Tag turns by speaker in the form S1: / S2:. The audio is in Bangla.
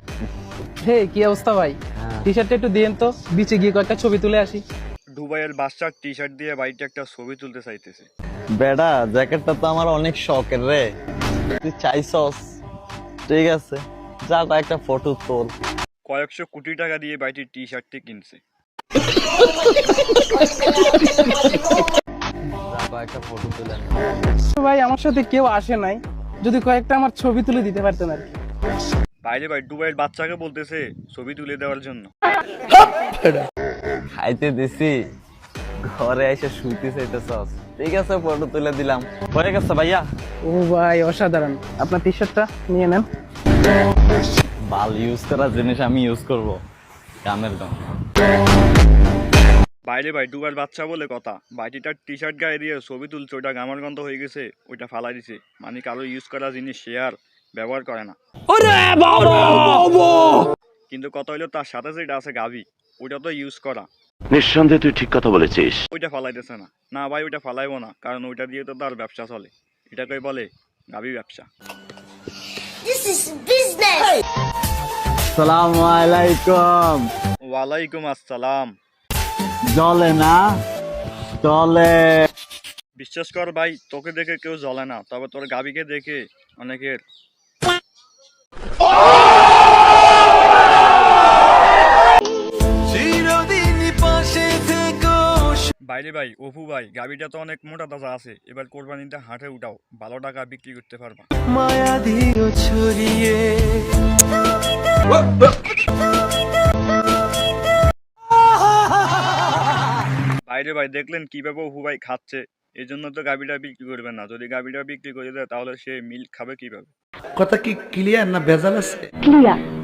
S1: হে কি অবস্থা ভাই? টি শার্টটা একটু দিয়েন তো, বিচে গিয়ে কয়েকটা ছবি তুলে আসি।
S2: দুবাইয়ের বাচ্চার টি শার্ট দিয়ে বাড়িতে একটা ছবি তুলতে চাইতেছে।
S3: বেডা জ্যাকেটটা তো আমার অনেক শখের রে, তুই চাইছস, ঠিক আছে যা কয়েকটা ফটো তোল।
S2: কয়েকশো কোটি টাকা দিয়ে বাড়িটির টি শার্টটি কিনছে।
S3: যা কয়েকটা ফটো তুলে নে।
S1: তো ভাই আমার সাথে কেউ আসে নাই, যদি কয়েকটা আমার ছবি তুলে দিতে পারতেন আর কি।
S2: বাইরে ভাই দুবাইয়ের বাচ্চাকে বলতেছে ছবি তুলে দেওয়ার জন্য।
S3: খাইতে দিছি, ঘরে এসে শুইতে চাইতেছস, ঠিক আছে ফটো তুলে দিলাম, হয়ে গেছে ভাইয়া।
S1: ও ভাই অসাধারণ, আপনার টি শার্টটা নিয়ে নেন।
S3: বাল ইউজ করা জিনিস আমি ইউজ করব, কামের দাম।
S2: বাইরে ভাই দুবাইয়ের বাচ্চা বলে কথা, বাড়িটার টি শার্ট গায়ে দিয়ে ছবি তুলছে, ওইটা গামার গন্ধ হয়ে গেছে, ওইটা ফালাই দিছে। মানে কারো ইউজ করা জিনিস শেয়ার ব্যবহার করে না। কিন্তু কথা হইলো তার সাথে যেটা আছে গাভি, ওইটা তো ইউজ করা,
S4: নিঃসন্দেহে তুই ঠিক কথা বলেছিস।
S2: ওইটা ফালাইতেছে না। না ভাই ওইটা ফালাইবো না, কারণ ওইটা দিয়ে তো তার ব্যবসা চলে, এটাকেই বলে গাভি ব্যবসা।
S5: This is business.
S3: আসসালামু আলাইকুম।
S2: ওয়ালাইকুম আসসালাম।
S3: জলে না চলে।
S2: বিশ্বাস কর ভাই, তোকে দেখে কেউ জ্বলে না, তবে তোর গাবিকে দেখে অনেকের। বাইরে ভাই অপু ভাই, গাবিটা তো অনেক মোটা তাজা আছে, এবার কোরবানিতে হাটে উঠাও, ভালো টাকা বিক্রি করতে পারবা। বাইরে ভাই দেখলেন কিভাবে অপু ভাই খাচ্ছে, এই জন্য তো গাবিটা বিক্রি করবে না। যদি গাবিটা বিক্রি করে দেয় তাহলে সে মিল্ক খাবে কিভাবে?
S6: কথা কি ক্লিয়ার না ভেজাল আছে?
S5: Clear.